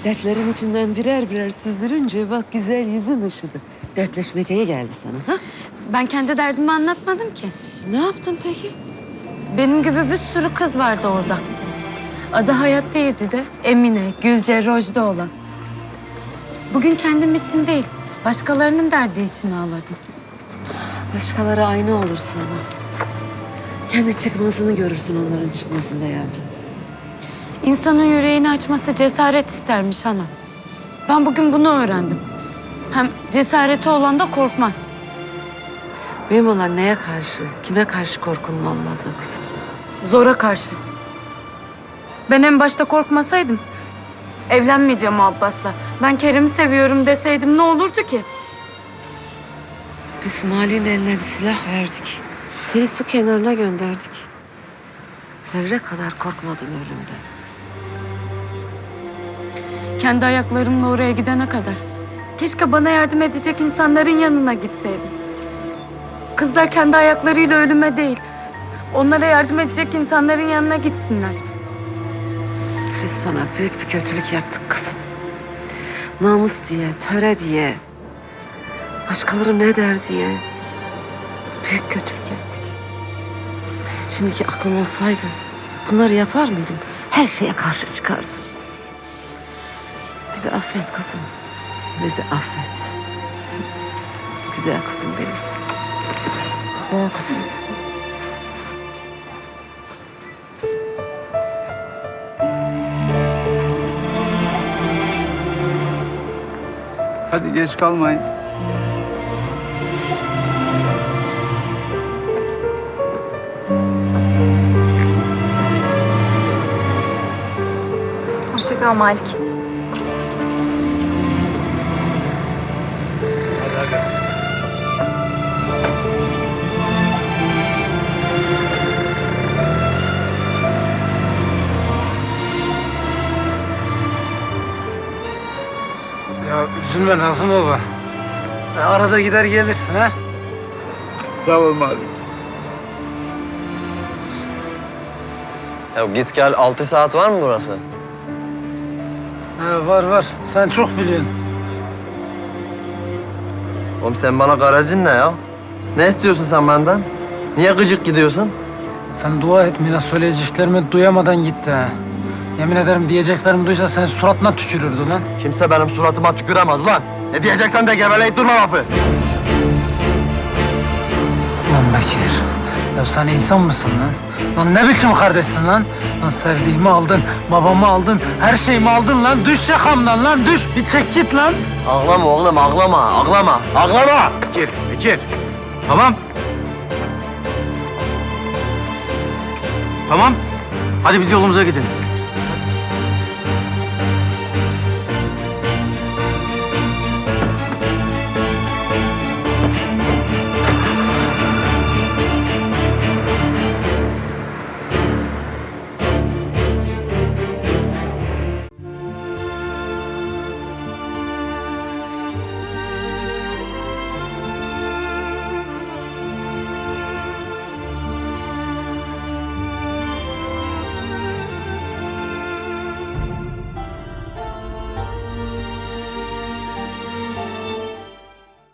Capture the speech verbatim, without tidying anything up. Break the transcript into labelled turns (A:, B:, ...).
A: Dertlerin içinden birer birer süzülünce bak güzel yüzün ışıdı. Dertleşmek iyi geldi sana ha?
B: Ben kendi derdimi anlatmadım ki.
A: Ne yaptın peki?
B: Benim gibi bir sürü kız vardı orada. Adı Hayat değildi de Emine, Gülce, Rojda olan. Bugün kendim için değil, başkalarının derdi için ağladım.
A: Başkaları aynı olur sana. Kendi çıkmazını görürsün onların çıkmasında yavrum.
B: İnsanın yüreğini açması cesaret istermiş ana. Ben bugün bunu öğrendim. Hem cesareti olan da korkmaz.
A: Mühim olan neye karşı, kime karşı korkunun olmadığı kızım.
B: Zora karşı. Ben en başta korkmasaydım, evlenmeyeceğim o Abbas'la. Ben Kerim'i seviyorum deseydim ne olurdu ki?
A: Biz Mali'nin eline bir silah verdik. Seni su kenarına gönderdik. Zerre kadar korkmadın ölümden.
B: Kendi ayaklarımla oraya gidene kadar. Keşke bana yardım edecek insanların yanına gitseydim. Kızlar kendi ayaklarıyla ölüme değil, onlara yardım edecek insanların yanına gitsinler.
A: Biz sana büyük bir kötülük yaptık kızım. Namus diye, töre diye, başkaları ne der diye büyük kötülük ettik. Şimdiki aklım olsaydı bunları yapar mıydım? Her şeye karşı çıkardım. Bizi affet kızım. Bizi affet. Güzel kızım benim. Güzel kızım.
C: Hadi geç kalmayın.
B: Hoşça kal Malik.
D: Ya üzülme Nazım baba. Ya arada gider gelirsin ha.
C: Sağ ol Malik.
E: Ya git gel altı saat var mı burası?
D: Ha, var var. Sen çok biliyorsun.
E: Oğlum sen bana garazin ne ya? Ne istiyorsun sen benden? Niye gıcık gidiyorsun?
D: Sen dua et Mina, söyleyeceklerimi duyamadan gitti ha. Yemin ederim diyeceklerimi duysa senin suratına tükürürdü lan.
E: Kimse benim suratıma tüküremez ulan. Ne diyeceksen de geveleyip durma lafı.
D: Lan Bekir, ya sen insan mısın lan? Lan ne biçim kardeşsin lan? Lan sevdiğimi aldın, babamı aldın, her şeyimi aldın lan. Düş yakamdan lan, düş. Bir çek git lan.
E: Ağlama oğlum ağlama, ağlama, ağlama.
D: Bekir, Bekir. Tamam. Tamam. Hadi biz yolumuza gidelim.